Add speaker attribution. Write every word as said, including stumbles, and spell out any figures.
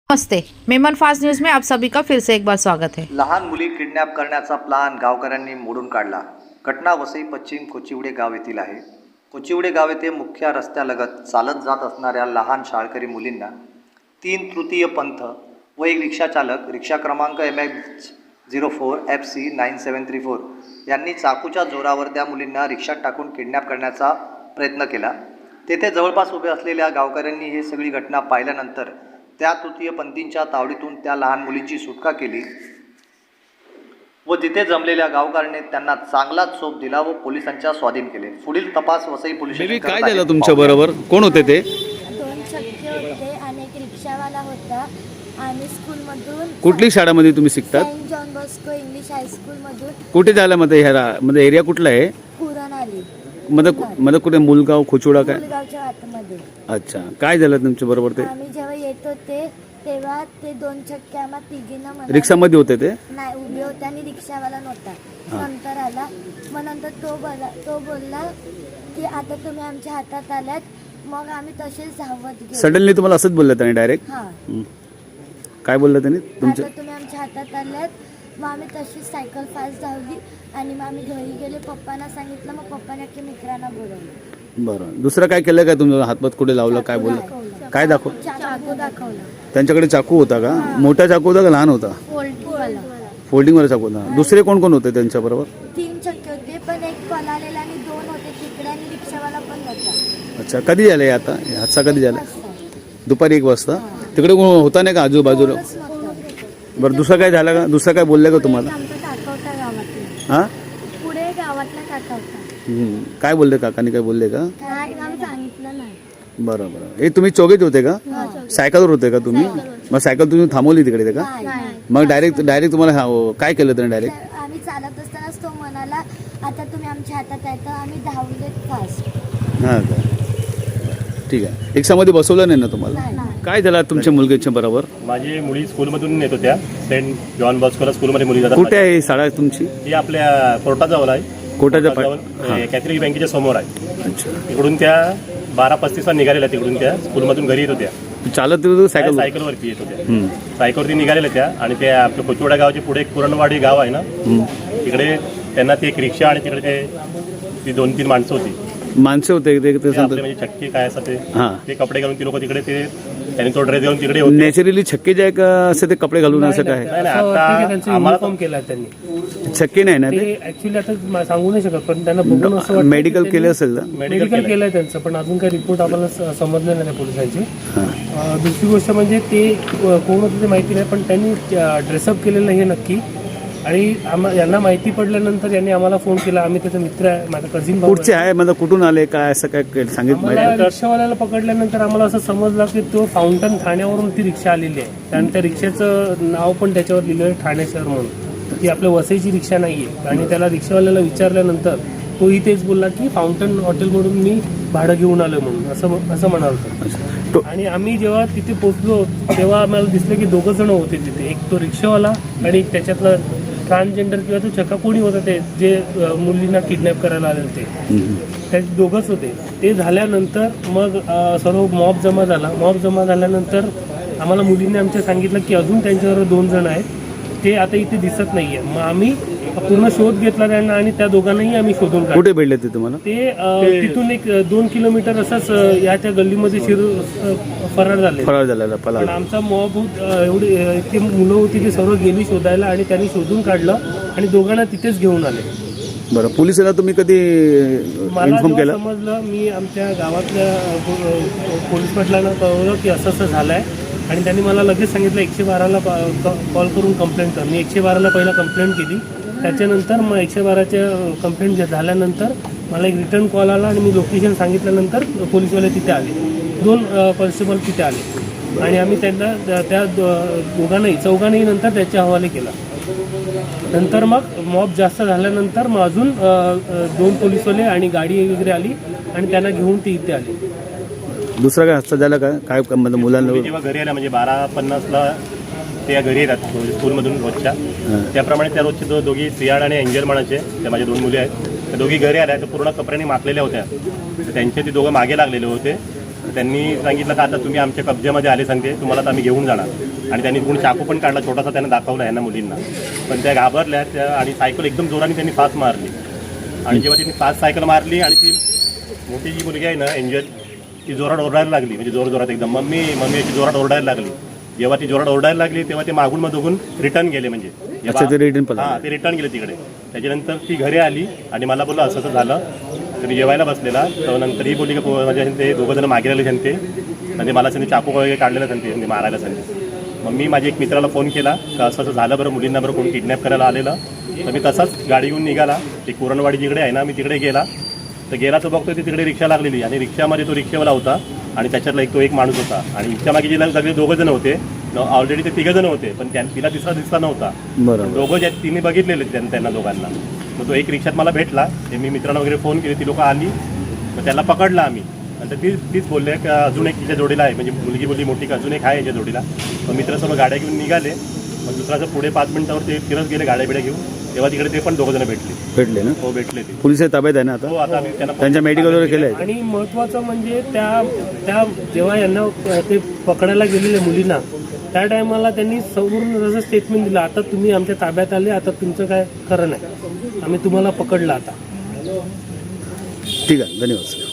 Speaker 1: नमस्ते, Memon fast news में आप सभी का फिर से एक बार स्वागत है।
Speaker 2: लहान मुली किडनॅप करण्याचा प्लान गावकऱ्यांनी मोडून काढला। घटना वसई पश्चिम कोचिवडे गाव येथील आहे। कोचिवडे गाव येथे मुख्य रस्त्यालगत चालत जात असणाऱ्या लहान शाळकरी मुलींना तीन तृतीय पंथ व एक रिक्षा चालक रिक्षा क्रमांक M H zero four F C nine seven three four यांनी चाकूच्या जोरावर त्या मुलींना रिक्षात टाकून किडनॅप करण्याचा प्रयत्न केला। तेथे जवळपास उभे असलेल्या गावकऱ्यांनी ही सगळी घटना पाहिल्यानंतर त्या तृतीयपंथींच्या तावडीतून त्या लहान मुलींची सुटका केली व तिथे जमलेल्या गावकऱ्यांनी त्यांना चांगला चोप दिला व पोलिसांच्या स्वाधीन केले। पुढील तपास वसई पोलिसांनी
Speaker 3: काय झालं तुमच्या बरोबर? कोण होते ते?
Speaker 4: दोन चक्के होते आणि एक रिक्षावाला होता आणि स्कूलमधून
Speaker 3: कुठली शाळेमध्ये तुम्ही शिकतात?
Speaker 4: सेंट जॉन बॉस्को इंग्लिश हायस्कूलमधून।
Speaker 3: कुठे झालं मध्ये ह्या मध्ये एरिया कुठला आहे?
Speaker 4: पुरण आली
Speaker 3: मध्ये मध्ये कुठे मुलगाव खोचुडा काय?
Speaker 4: मुलगावच्या आतमध्ये।
Speaker 3: अच्छा, काय झालं तुमच्या बरोबर? ते
Speaker 4: आम्ही जेव्हा येत होते तेव्हा ते दोन चक्के आम्हा तिघींना म्हणाले-
Speaker 3: रिक्षामध्ये होते ते?
Speaker 4: नाही, उभे होते आणि रिक्षावाला नव्हता। नंतर आला, मग नंतर तो बोला तो बोलला की आता तुम्ही आमच्या हातात आल्यात। मग आम्ही तसेच धावत गेलो।
Speaker 3: सडनली तुम्हाला असंच बोललं त्याने डायरेक्ट?
Speaker 4: हा,
Speaker 3: काय बोललं त्याने तुमच्या?
Speaker 4: आता तुम्ही आमच्या हातात आल्यात। मग आम्ही तशीच सायकल फास्ट धावली आणि मग आम्ही घरी गेले। पप्पांना सांगितलं, मग पप्पाने की मित्रांना बोलवलं।
Speaker 3: बरं, दुसरं काय केलं काय तुमचं? हातपात कुठे लावलं? काय बोललं? काय दाखव?
Speaker 4: चाकू दाखवला।
Speaker 3: त्यांच्याकडे चाकू होता का? मोठा चाकू होता का लहान होता?
Speaker 4: फोल्डिंगवाला।
Speaker 3: फोल्डिंगवाला चाकू होता। दुसरे कोण कोण होते त्यांच्या बरोबर?
Speaker 4: तीन चक्के होते, पण एक पळालेला आणि दोन होते तिकडे आणि रिक्षावाला पण होता।
Speaker 3: अच्छा, कधी झालं आता? हादसा कधी झाला? दुपारी एक वाजता? तिकडे कोण होता नाही का आजूबाजूला? बरं, दुसरं काय झालं का? दुसरं काय बोललं का तुम्हाला?
Speaker 4: आमचा काका होता गावातला।
Speaker 3: हां,
Speaker 4: पुढे गावातला काका होता।
Speaker 3: काय बोलले काकानी? काय बोलले का?
Speaker 4: काय आम्ही सांगितलं नाही।
Speaker 3: बरं बरं. हे तुम्ही चौघेच होते का? सायकलवर होते का तुम्ही? मग सायकल तुम्ही थांबवली तिकडे का? मग डायरेक्ट डायरेक्ट तुम्हाला हा- काय केलं त्याने डायरेक्ट?
Speaker 4: आम्ही चालत असतानाच तो म्हणाला आता तुम्ही आमच्या हातात आहे, तर आम्ही धावले फास्ट।
Speaker 3: हां का, ठीक आहे. रिक्षामध्ये बसवलं नाही ना तुम्हाला? काय झालं तुमच्या मुलगीच्या बरोबर?
Speaker 5: माझी मुली स्कूलमधून येत होत्या, सेंट जॉन बॉस्कोला स्कूलमध्ये मुली जातात।
Speaker 3: कुठे आहे शाळा तुमची?
Speaker 5: ही आपल्या कोर्टाजवळ आहे।
Speaker 3: कोर्टाच्या
Speaker 5: कोर्टाजवळ कॅथलिक बँकेच्या समोर आहे।
Speaker 3: अच्छा,
Speaker 5: तिकडून त्या बारा पस्तीसला निघालेल्या, तिकडून त्या स्कूलमधून घरी येत होत्या।
Speaker 3: चालत येत होते सायकल?
Speaker 5: सायकलवरती येत होत्या। सायकलवरती निघालेल्या त्या आणि ते आपल्या कोचिवडा गावाच्या पुढे एक पुरणवाडी गाव आहे ना, तिकडे त्यांना ती एक रिक्षा आणि तिकडे ते ती दोन तीन माणसं होती,
Speaker 3: माणसं होते ते- ते
Speaker 5: ते
Speaker 3: सांगतात.
Speaker 5: आपले म्हणजे चक्की काय असं ते
Speaker 3: हां,
Speaker 5: ते कपडे घालून ती लोक तिकडे ते त्यांनी तो ड्रेस घालून तिकडे होते।
Speaker 3: नॅचरली छक्के जे आहे का असे ते कपडे घालून असं काय?
Speaker 5: नाही नाही, आता आम्हाला
Speaker 6: युनिफॉर्म केला त्यांनी।
Speaker 3: छक्के नाही ना ते?
Speaker 6: ते ऍक्च्युली आता म- सांगू नाही शकत, पण त्यांना बघून असं वाटतं
Speaker 3: मेडिकल केलं असेल ना?
Speaker 6: मेडिकल केलंय त्यांचं, पण अजून काही रिपोर्ट आम्हाला स- समजले नाही पोलिसांचे। अं, दुसरी गोष्ट म्हणजे ते अ, कोण होतं ते माहिती नाही, पण त्यांनी ड्रेसअप केलेलं हे नक्की। आणि आम्हा यांना माहिती पडल्यानंतर यांनी आम्हाला फोन केला। आम्ही त्याचा मित्र आहे, माझा कझिन भाऊ
Speaker 3: कुठचे आहे म्हणजे कुठून आले काय असं काय सांगितलं
Speaker 6: आम्हाला
Speaker 3: माहिती?
Speaker 6: रिक्षावाल्याला पकडल्यानंतर आम्हाला असं समजलं की तो फाउंटन ठाण्यावरून ती रिक्षा आलेली आहे आणि त्या रिक्षाचं नाव पण त्याच्यावर लिहिलं आहे ठाणे शहर म्हणून। ती आपल्या वसईची रिक्षा नाही आहे। आणि त्याला रिक्षावाल्याला विचारल्यानंतर तोही तेच बोलला की फाउंटन हॉटेलमधून मी भाडं घेऊन आलो म्हणून, असं असं म्हणाल होतं। आणि आम्ही जेव्हा तिथे पोहोचलो तेव्हा आम्हाला दिसलं की दोघं जण होते तिथे, एक तो रिक्षावाला आणि एक त्याच्यातलं ट्रान्सजेंडर किंवा तो चक्का कोणी होतं ते जे अ, मुलींना किडनॅप करायला आले ते ते दोघंच होते। ते झाल्यानंतर मग अ, सर्व मॉब जमा झाला। मॉब जमा झाल्यानंतर आम्हाला मुलींनी आमच्या सांगितलं की अजून त्यांच्यावर दोन जण आहेत, ते आता इथे दिसत नाही आहे। मग आम्ही पूर्ण शोध घेतला त्यांना आणि त्या दोघांनाही आम्ही शोधून काढलं।
Speaker 3: कुठे भेटले ते तुम्हाला?
Speaker 6: ते अ, तिथून एक अ, दोन किलोमीटर असंच अ, या त्या गल्लीमध्ये शिरू अ, फरार झाले।
Speaker 3: फरार झालेला पला.
Speaker 6: पण आमचा मॉब एवढी अ, इतकी मुलं होती की सर्व गेली शोधायला आणि त्यांनी शोधून काढलं आणि दोघांना तिथेच घेऊन आले।
Speaker 3: बरं, पोलिसांना तुम्ही कधी
Speaker 6: मला
Speaker 3: इन्फॉर्म
Speaker 6: जेव्हा
Speaker 3: केलं?
Speaker 6: समजलं, मी आमच्या गावातल्या अ, पो- पोलीस पाटलांना कळवलं की असं असं झालं आहे आणि त्यांनी मला लगेच सांगितलं एकशे बाराला कॉल करून कंप्लेंट कर। मी एकशे बाराला पहिला कंप्लेंट केली, त्याच्यानंतर मग एकशे बाराच्या कंप्लेंट झाल्यानंतर मला एक रिटर्न कॉल आला आणि मी लोकेशन सांगितल्यानंतर पोलीसवाले तिथे आले, दोन कॉन्स्टेबल तिथे आले आणि आम्ही त्यांना त्या दो- दोघांनाही चौघांनाही नंतर त्याच्या हवाले केला। नंतर मग मॉब जास्त झाल्यानंतर मग अजून अ, अ, दोन पोलीसवाले आणि गाडी वगैरे आली आणि त्यांना घेऊन ते इथे आले।
Speaker 3: दुसरा काय हस्ता झाला का? काय म्हणजे
Speaker 5: मी
Speaker 3: मुलांना?
Speaker 5: जेव्हा घरी आल्या म्हणजे बारा पन्नासला त्या घरी येतात स्कूलमधून रोजच्या, त्याप्रमाणे त्या रोजचे दो दोघी सियाड आणि एंजल म्हणायचे, त्या माझ्या दोन मुली आहेत, त्या दोघी घरी आल्या तर पूर्ण कपड्यांनी माखलेल्या होत्या। तर त्यांचे ते दोघं मागे लागलेले होते त्यांनी सांगितलं का आता तुम्ही आमच्या कब्ज्यामध्ये आले सांगते तुम्हाला तर आम्ही घेऊन जाणार. आणि त्यांनी कोणी चाकू पण काढला छोटासा, त्यांना दाखवला यांना मुलींना. पण त्या घाबरल्या त्या आणि सायकल एकदम जोराने त्यांनी फास्ट मारली. आणि जेव्हा त्यांनी फास्ट सायकल मारली आणि ती मोठी जी मुलगी आहे ना एंजल, ती जोरात ओरडायला लागली, म्हणजे जोर जोरात एकदम मम्मी मम्मी अशी जोरात ओरडायला लागली. जेव्हा ती जोरात ओरडायला लागली तेव्हा ते मागून मग दोघून रिटर्न गेले. म्हणजे
Speaker 3: अच्छा, ते return पळाले.
Speaker 5: हां ते रिटर्न गेले तिकडे. त्याच्यानंतर ती घरी आली आणि मला बोललं असं असं झालं. तर मी जेवायला बसलेला, तर नंतर ही बोलली की म्हणजे ते दोघं जण मागे राहिले सांगते म्हणजे मला सांगते चाकू वगैरे काढलेलं सांगते म्हणजे मारायला सांगते. मग मी माझ्या एक मित्राला फोन केला का असं असं झालं बरं, मुलींना बरं कोणी किडनॅप करायला आलेलं. तर मी तसाच गाडी घेऊन निघाला. ते कुरणवाडी जिकडे आहे ना, मी तिकडे गेला. तर गेला तो बघतो ती तिकडे रिक्षा लागलेली आणि रिक्षामध्ये तो रिक्षावाला होता आणि त्याच्यातला एक तो एक माणूस होता. आणि इच्छा मागे जिला सगळे दोघं जण होते. ऑलरेडी ते तिघं जण होते, पण त्या तिला तिसरा दिसला नव्हता.
Speaker 3: बरोबर.
Speaker 5: दोघं ज्या तिने बघितलेले त्यांना त्यांना दोघांना. मग तो एक रिक्षात मला भेटला. ते मी मित्रांना वगैरे फोन केले, ती लोकं आली. मग त्याला पकडला आम्ही. नंतर ती तीच बोलले की अजून एक तिच्या जोडीला आहे, म्हणजे मुलगी बोलली मोठी का अजून एक आहे याच्या जोडीला. मग मित्रासोबत गाड्या घेऊन निघाले. मग दुसऱ्याचं पुढे पाच मिनिटावर ते फिरत गेले गाड्या बिड्या घेऊन. तेव्हा तिकडे ते पण दोघं जण भेटले.
Speaker 3: भेटले ना?
Speaker 5: हो भेटले ते.
Speaker 3: पोलिस ताब्यात आहे ना
Speaker 5: हो
Speaker 3: आता?
Speaker 5: आता आम्ही त्यांना
Speaker 3: त्यांच्या मेडिकल वगैरे केलं आहे?
Speaker 6: आणि महत्त्वाचं म्हणजे त्या त्या जेव्हा यांना ते पकडायला गेलेले मुलींना, त्या टायमाला त्यांनी संपूर्ण जसं स्टेटमेंट दिलं, आता तुम्ही आमच्या ताब्यात आले, आता तुमचं काय खरं नाही, आम्ही तुम्हाला पकडलं आता.
Speaker 3: ठीक आहे, धन्यवाद.